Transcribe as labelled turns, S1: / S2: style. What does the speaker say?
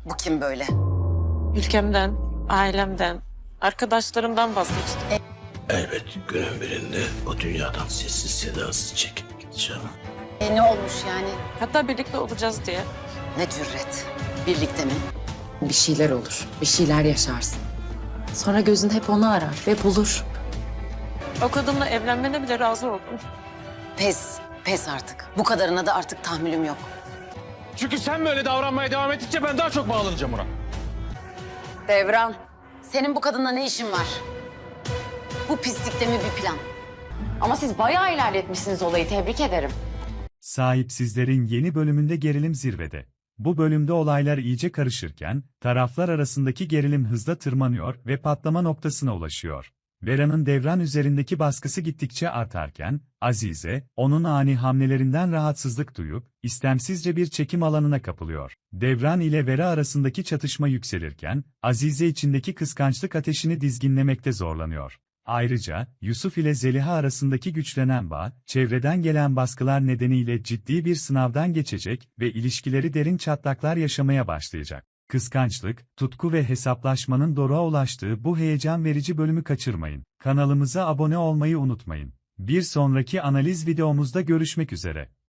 S1: Bu kim böyle?
S2: Ülkemden, ailemden, arkadaşlarımdan vazgeçtim.
S3: Elbet günün birinde o dünyadan sessiz sedasız çekip gideceğim.
S1: Ne olmuş yani?
S2: Hatta birlikte olacağız diye.
S1: Ne cüret? Birlikte mi?
S4: Bir şeyler olur, bir şeyler yaşarsın. Sonra gözün hep onu arar ve bulur.
S2: O kadınla evlenmene bile razı oldum.
S1: Pes artık. Bu kadarına da artık tahammülüm yok.
S5: Çünkü sen böyle davranmaya devam ettikçe ben daha çok bağlanacağım ona.
S1: Devran, senin bu kadınla ne işin var? Bu pislikte mi bir plan?
S6: Ama siz bayağı ilerletmişsiniz olayı, tebrik ederim.
S7: Sahipsizlerin yeni bölümünde gerilim zirvede. Bu bölümde olaylar iyice karışırken, taraflar arasındaki gerilim hızla tırmanıyor ve patlama noktasına ulaşıyor. Vera'nın Devran üzerindeki baskısı gittikçe artarken, Azize, onun ani hamlelerinden rahatsızlık duyup, istemsizce bir çekim alanına kapılıyor. Devran ile Vera arasındaki çatışma yükselirken, Azize içindeki kıskançlık ateşini dizginlemekte zorlanıyor. Ayrıca, Yusuf ile Zeliha arasındaki güçlenen bağ, çevreden gelen baskılar nedeniyle ciddi bir sınavdan geçecek ve ilişkileri derin çatlaklar yaşamaya başlayacak. Kıskançlık, tutku ve hesaplaşmanın doruğa ulaştığı bu heyecan verici bölümü kaçırmayın. Kanalımıza abone olmayı unutmayın. Bir sonraki analiz videomuzda görüşmek üzere.